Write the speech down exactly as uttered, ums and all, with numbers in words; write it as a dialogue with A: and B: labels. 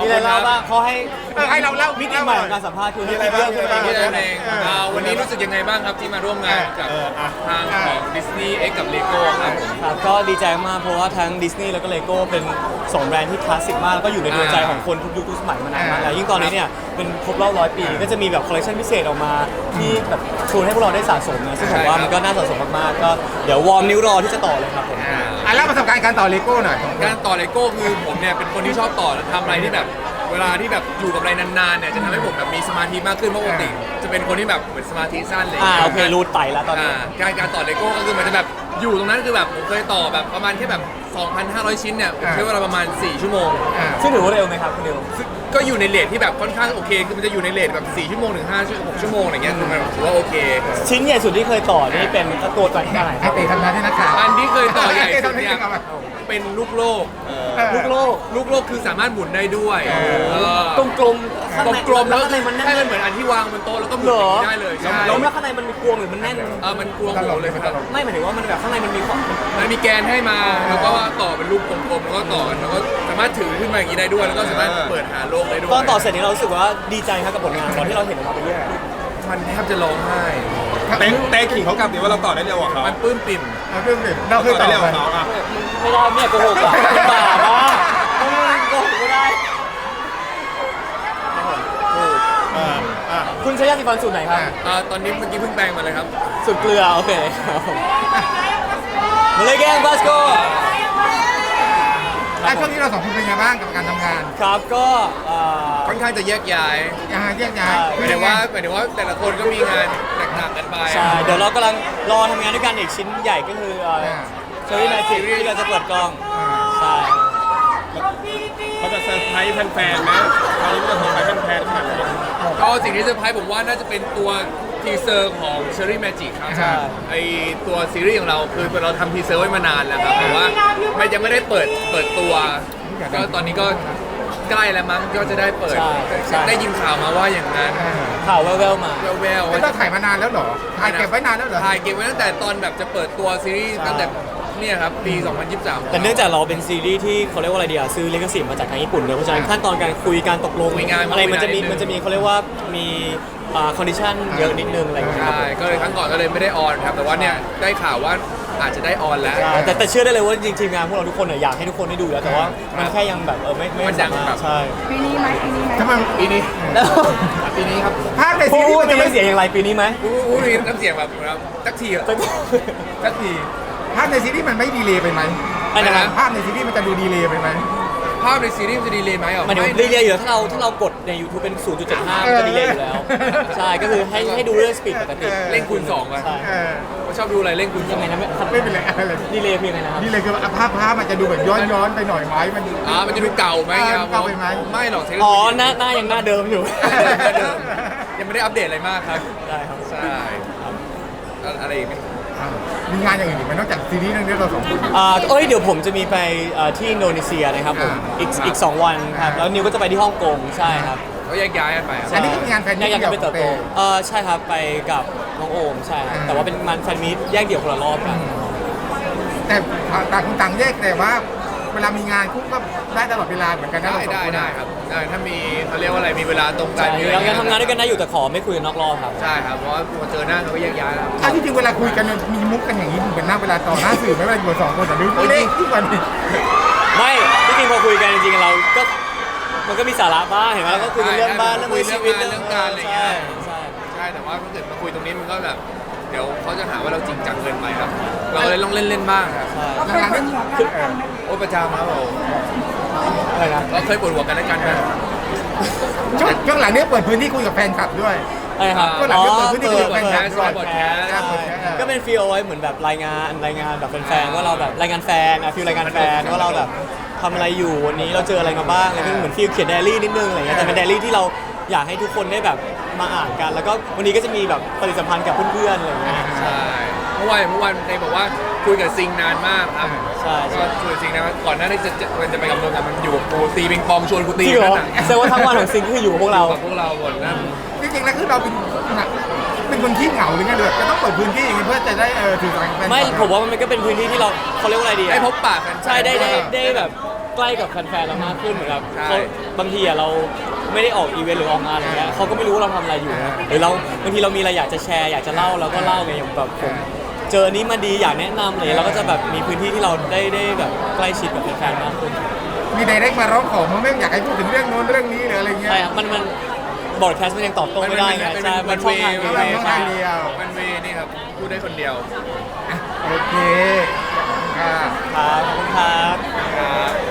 A: อะไรเล่าบ้างเขาให้
B: เออให้เราเล่า
A: มิติใหม่ของการสัมภาษณ์คือให้
B: มีอะไร
A: เรื่องขึ้น
B: บ้าง
A: มา
C: นี่นั่นเองอ่าวันนี้รู้สึกยังไงบ้างครับที่มาร่วมงานกับ
B: เอออ่ะ
C: ทางของดิสนีย์เอ็กกับเลโก้ครับผม
A: ครับก็ดีใจมากเพราะว่าทั้งดิสนีย์แล้วก็เลโก้เป็นสองแบรนด์ที่คลาสสิกมากแล้วก็อยู่ในดวงใจของคนทุกยุคทุกสมัยมานานมากแล้วยิ่งตอนนี้เนี่ยเป็นครบรอบร้อยปีก็จะมีแบบคอลเลคชันพิเศษออกมาที่แบบชวนให้พวกเราได้สะสมนะซึ่งผมว่ามันก็น่าสะสมมากๆก็เดี๋ยววอร์มนิ้วรอที่จะต่อเลยครับผม
C: อ่า
B: อ่ะแล้วประสบการณ์การต่อเลโก้หน่อย
C: การต่อเลโก้คือผมเนี่ยเป็นคนที่ชอบต่อและทำอะไรที่แบบเวลาที่แบบอยู่กับอะไรนานๆเนี่ยจะทำให้ผมแบบมีสมาธิมากขึ้นเพราะปกติจะเป็นคนที่แบบเหมือนสมาธิสั้นเลย
A: อ่าโอเครูดไตแล้วตอนนี้
C: อ่าการการต่อเลโก้ก็คือมันจะแบบอยู่ตรงนั้นคือแบบผมเคยต่อแบบประมาณแค่แบบ สองพันห้าร้อย ชิ้นเนี่ยผมใช้เวลาประมาณ สี่ ชั่วโมง
B: อ่า
A: ซึ่งถือว่าเร็วไหมครับคุณเร็ว
C: ซึ่งก็อยู่ในเรทที่แบบค่อนข้างโอเคคือมันจะอยู่ในเรทแบบ สี่ ชั่วโมงถึง ห้า ชั่วโมงหกชั่วโมงอะไรเงี้ยคือมันถือว่าโอเค
A: ชิ้นใหญ่สุดที่เคยต่อนี่เป็นตัวตัวที่เท่าไหร่ค
B: ไอ
A: รับ
B: เตะทำงานที่นักข่าว
C: อันที่เคยต่อใหญ่สุดเนี่ย
B: เอามา
C: เป็นลูกโลก
A: ลูกโลก
C: ลูกโลกคือสามารถหมุนได้ด้วยเออก
A: ลมกลมๆข้างใน
C: กลมๆแล้ว
A: ข้างในมันแน่น
C: ให้มันเหมือนอันที่วางบนโต๊ะแล้วก็หมุน
A: เหรอ
C: ได้เลยใช่
A: แล้วแล้วข้างในมันมีกลวงหรือมันแน่น
C: เออมันกลวงหัวเลยครับ
A: ไม่หมายถึงว่ามันแบบข้างในมันมีความ
C: มันมีแกนให้มาแล้วก็ต่อเป็นรูปกลมๆแล้วก็ต่อกันแล้วก็สามารถถือขึ้นมาอย่างนี้ได้ด้วย แล้วก็สามารถเปิดหาโลกได้ด้วย
A: ตอนต่อเสร็จนี่เรารู้สึกว่าดีใจครับกับผลงานตอนที่เราเห็นออกมาเป็นรูป
C: มันแทบจะร้องไห้
D: เต้เต้ขิงเขากลับดิว่าเราต่อได้เร็วกว่าเขา
C: มันปลื้มปิ่ม
B: เอาเรื่องดิเราเคย
D: ต่
B: ต่
D: อ
B: อ
D: ได้เร็วก
B: ไหม
D: ว่าเขาอ่ะ
A: ไม่ได้เนี่ยโกหกอ่ะเป็นบาปอ่ะโกหกไม่ได้
B: อ่าอ่า
A: คุณใช้ยาสีฟันสูตรไหนครับ
C: อ่าตอนนี้เมื่อกี้เพิ่งแปลงมาเลยครับ
A: สูตรเกลือโอเคครับผมมาเลยแกงบาสโก
B: อ่ะช่วงนี้เราสองคนเป็นไงบ้างกับการทำงาน
A: ครับก็เอ่อ
C: ค่อนข้างจะแยกย้าย
B: อ่าแยกย้าย
A: ใช่
C: หมายถึงว่าหมายถึงว่าแต่ละคนก็มีงานแตกต่างกันไป
A: ใช่เดี๋ยวเรากำลังรอทำงานด้วยกันอีกชิ้นใหญ่ก็คือเชอรี่แมจิกที่เราจะเปิดกล้องใช่
D: เขาจะเซอร์ไพรส์แฟนๆไหมคราวนี้มันจะเซอร์ไพรส์แฟนๆขนาดไหน
C: ก็สิ่งที่เซอร์ไพรส์ผมว่าน่าจะเป็นตัวทีเซอร์ของ Cherry Magic ครับ
A: ใช่
C: ไอตัวซีรีส์ของเราคือเราทำทีเซอร์ไว้มานานแล้วครับแต่ว่ามันยังไม่ได้เปิดเปิดตัว ก็ตอนนี้ก็ใกล้แล้วมั้งก็จะได้เปิด
A: ใช่ใช่
C: ได้ยินข่าวมาว่าอย่างนั้น
A: ข่าวแว่วๆมา
C: แววๆ
B: ไม่
C: ว่า
B: ต้องถ่ายมานานแล้วเหรอถ่ายเก็บไว้นานแล้วเหรอ
C: ถ่ายเก็บไว้ตั้งแต่ตอนแบบจะเปิดตัวซีรีส์
A: ใช่
C: ตั้งแต่เนี่ยครับปี สองพันยี่สิบสาม
A: แต่เนื่องจากเราเป็นซีรีส์ที่เขาเรียกว่าอะไรดีอะซื้อลิขสิทธิ์มาจากทางญี่ปุ่นเลยเพราะฉะนั้นขั้นตอนการคุยการตกลง
C: คุยงาน
A: อะไรมันจะมี
C: คุยงานนิดนึง
A: มันจะมีเขาเรียกว่ามีอ่าคอนดิชันเยอะนิดนึงอะไรอย่างเงี้ยครับ
C: ใช่ก็เลยครั้งก่อนก็เลยไม่ได้ออนครับแต่ว่าเนี่ยได้ข่าวว่าอาจจะได้ออนแล้ว
A: ใช่แต่แต่เชื่อได้เลยว่าจริงๆทีมงานพวกเราทุกคนเนี่ยอยากให้ทุกคนได้ดูแล้วแต่ว่ามันแค่ยังแบบเออไม่ไม่
C: มันยัง
A: สา
C: แบ
A: มาร
C: บ
A: ถใช่
E: ปีนี้ไหมปีนี้ไหม
B: ทำไม
C: ปีนี้
A: แล้ว
C: ปีนี้ครับ
B: ภาคใน
A: พู
B: ซีรีส์
A: ด
B: มัน
A: จะ
B: จะ
A: ไม่
B: ไม่
A: เสียอย่างไรปีนี้ไหม
C: อู้อู้นี่น้ำเสียงแบบแบบสักทีอะสักที
B: ภาคในซีรีส์มันไม่ดีเลย์ไปไหม
A: อะไรนะ
B: ภาคในซีรีส์มันจะดูดีเลย์ไปไหม
C: ภาพในซีรีส์มันจะดีเลยไหมอ่ะ
A: มันเดี๋ยวดีเลยอยู่แล้วถ้าเราถ้าเรากดใน YouTube เป็น ศูนย์จุดเจ็ดห้า มันจะดีเลยอยู่แล้ว ใช่ก็คือให้ให้ดูเรื่องสปีดปกติ
C: เล่นคูณสองไป
A: ใช่
B: เออ
C: ผมชอบดูอะไรเล่นคูณส
A: ยั
C: อง ง
A: ไงนะไม่
B: ไม่เป็นไรอะไร
A: ดีเลยคือยังไงนะครับ
B: ดีเลยคือภาพภาพมันจะดูแบบย้อนย้อนไปหน่อยไหมมัน
C: อ่ามันจะดูเก่าไหม
B: อ่
C: ครับ
B: เก่าไปไหม
C: ไม่หรอกเทคโน
A: อ๋อ
C: โลยี
A: หน้าหน้ายังหน้าเดิมอยู่
C: เดิมยังไม่ได้อัปเดตอะไรมากครับ
A: ได้ครับ
C: ใช่อะไรอีกไหม
B: อ่ามีงานอย่างอื่นอีกไหมนอกจากซีรีส์เรื่องนี้เราสองคน
A: อ่าเอ้ยเดี๋ยวผมจะมีไปอ่าที่อินโดนีเซียนะครับผม
B: อ่า
A: อีกอีกสองวันครับแล้วนิวก็จะไปที่ฮ่องกงใช่ครับ
C: ก็แยกย้ายกันไปครับ
B: อันนี้คืองานแฟนมิต
A: อยากจะไปเติบโต
B: เดี่ยว
A: เออใช่ครับไปกับน้องโอมใช่ครับ
B: อ่า
A: แต่ว่าเป็นมันแฟนมีตแยกเดี่ยวคนละรอบกัน
B: แต่ต่างคนต่างแยกแต่ว่าเวลามีงานคู่ก็ได้ตลอดเวลาเหมือนกันนะ
C: ได้
B: เราสอง
C: ได้
B: คน
C: ได้ครับได้ถ้ามีเขาเรียกว่าอะไรมีเวลาตรงกั
A: ใช่
C: นมีอะไร
A: ยังยังทำงานด้วยกันได้อยู่แต่ขอไม่คุยกันนอกรอบครับ
C: ใช่ครับเพราะว่าพอเจอหน้าเขาก็แยกย้ายแล้ว
B: ถ้าที่จริงเวลาคุยกันมีมุกกันอย่างนี้เหมือนหน้าเวลาต่อหน้าสื่อไม่เวลาอยู่สองคนแต่ดูเล่นทุกวันนี้
A: ไม่ที่จริงพอคุยกันจริงๆเราก็มันก็มีสาระบ้างเห็นไหมเราก็คุยกันเรื่องบ้านเรื่องชีวิต
C: เรื่องการอะไรอย่างเงี้
A: ใช่
C: ย
A: ใช่
C: ใช่แต่ว่าถ้าเกิดมาคุยตรงนี้มันก็แบบเดี๋ยวเขาจะหาว่าเราจริงจังเกินไปครับ เราเลยต้องเล่นเล่นๆบ้างครับ
A: ใช่
E: ก็เคยเป็นหัวกันแล้วกันไหม
C: โอ้ประจำครับผม
A: อะไรนะ
C: เราเคยปวดหัวกันแล้วกันนะ
B: ช่วงช่วงหลังนี้เปิดพื้นที่คุยกับแฟนคลับด้วย
A: อะไรครับ
B: ก็หลังจากเปิดพื้นที่
A: เปิด
B: คุยกับแฟนคลับ
A: เปิดแคส
B: ใช่
A: ก็เป็นฟีลเอาไว้เหมือนแบบรายงานรายงานแบบแฟนๆว่าเราแบบรายงานแฟนอะฟีลรายงานแฟนว่าเราแบบทำอะไรอยู่วันนี้เราเจออะไรมาบ้างอะไรก็เหมือนฟีลเขียนไดอารี่นิดนึงอะไรเงี้ยแต่เป็นไดอารี่ที่เราอยากให้ทุกคนได้แบบมาอ่านกัน แล้วก็วันนี้ก็จะมีแบบปฏิสัมพันธ์กับเพื่อนๆอะไรเงี้ย
C: ใช่เมื่อวานเมื่อวานในบอกว่าคุยกับซิงนานมากครับ
A: ใช่
C: ก็คุยกับซิงนะก่อนหน้าที่จะจะมันจะไปกับเมืองกันมันอยู่กับกูตีปิงปองชวนกูตี
A: จริงเหรอ
C: นั่นน่ะ
A: แสดงว่าทั้งวันของซิงก็คืออยู่กับพวกเรา
C: กับพวกเราหมดนะ
B: จริงๆแล้วคือเราเป็นเป็นคนขี้เหงาหรือไงเลยจะต้องเปิดพื้นที่อย่างนี้เพื่อจะได้เออถือสารแฟนคลับ
A: ไม่ผมว่ามันก็เป็นพื้นที่ที่เราเขาเรียกว่าอะไรดีอะ
C: ได้พบปะกัน
A: ใช่ได้ได้ได้แบบใกล้กับแฟนๆเรามากขึ้นเหมือนแบบ
C: ใช่
A: เขาบางทีอะเราไม่ได้ออกอีเวนต์หรือออกงานอะไรเงี้ยเขาก็ไม่รู้ว่าเราทำอะไรอยู่นะหรือเราบางทีเรามีอะไรอยากจะแชร์อยากจะเล่าเราก็เล่าไงอย่างแบบผมเจออนนี้มาดีอยากแนะนำอะไรเราก็จะแบบมีพื้นที่ที่เราได้ได้แบบใกล้ชิดกับแฟนๆมากขึ้น
B: มีไดเรกมาร้องขอมาไม่อยากให้พูดถึงเรื่องโน้นเรื่องนี้หรืออะไรเงี้ย
A: ใช่ครับมันมันบอร์ดแคสต์มันยังตอบโต้ไม่ได้ไง
C: มัน
A: ใช่
C: มัน
A: มันช่องทาง
C: มัน
A: เดียว
C: เว
B: ต้องทางเดียว
C: มันเวนี่ครับพูดได้คนเดียว
B: โอเคอ่า
A: ครับขอบคุณครับ
C: ครับ